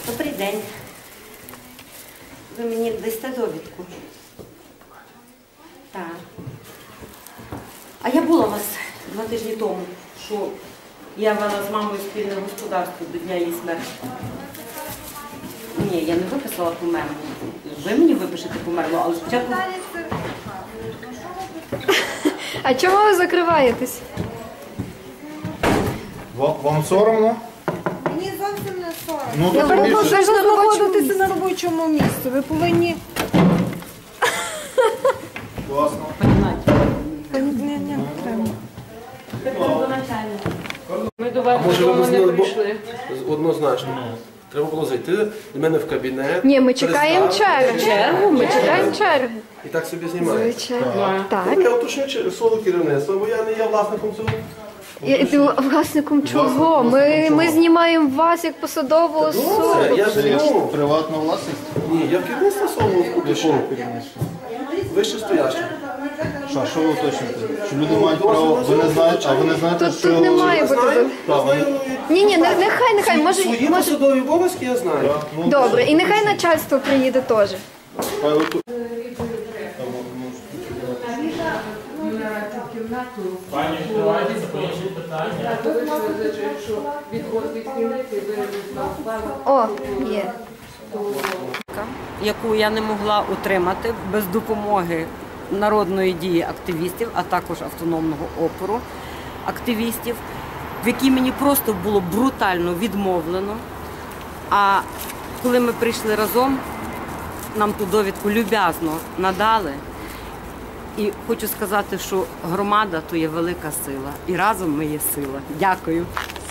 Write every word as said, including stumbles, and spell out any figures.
Добрий день. Ви мені дасте довідку? Так. А я була у вас два тижні тому, що я вела з мамою спільне господарство до дня її смерті. Ні, я не виписала померлу. Ви мені випишете померлу, але спочатку... А чому ви закриваєтесь? Вам, вам соромно? Мені зовсім не соромно. Ну, Я то перепрошую, більше. ви ж на робочому знаходитися місці. на робочому місці. Ви повинні... Класно. Ні, ні, не треба. Ми до вас Може, ви додому не знали, бо- прийшли. Однозначно. Треба було зайти до мене в кабінет. Ні, ми чекаємо представити, чергу. Ми чекаємо чергу. І так собі знімаєте. Звичайно. Так. Ну, я уточню через слово керівництва, бо я не є власником цього. І- і Власником чого? Ми, ми знімаємо вас як посадову Добре, особу. я Це є зніму. приватна власність? Ні, я в керівництво слово уточню. Вище стояще. Що, що ви уточнюєте? Що люди мають право, ви не знаєте, а ви не знаєте, Тут, що... тут не має бути. Знаю, Так, я знаю. Ні, ні, не- нехай, нехай, може, Свої може. посадові обов'язки я знаю. Так, ну, Добре, і нехай начальство приїде теж. хай отут. Пані, відкривайте, це інші питання. О, є. яку я не могла утримати без допомоги народної дії активістів, а також автономного опору активістів, в якій мені просто було брутально відмовлено. А коли ми прийшли разом, нам ту довідку люб'язно надали. І хочу сказати, що громада – то є велика сила. І разом ми є сила. Дякую.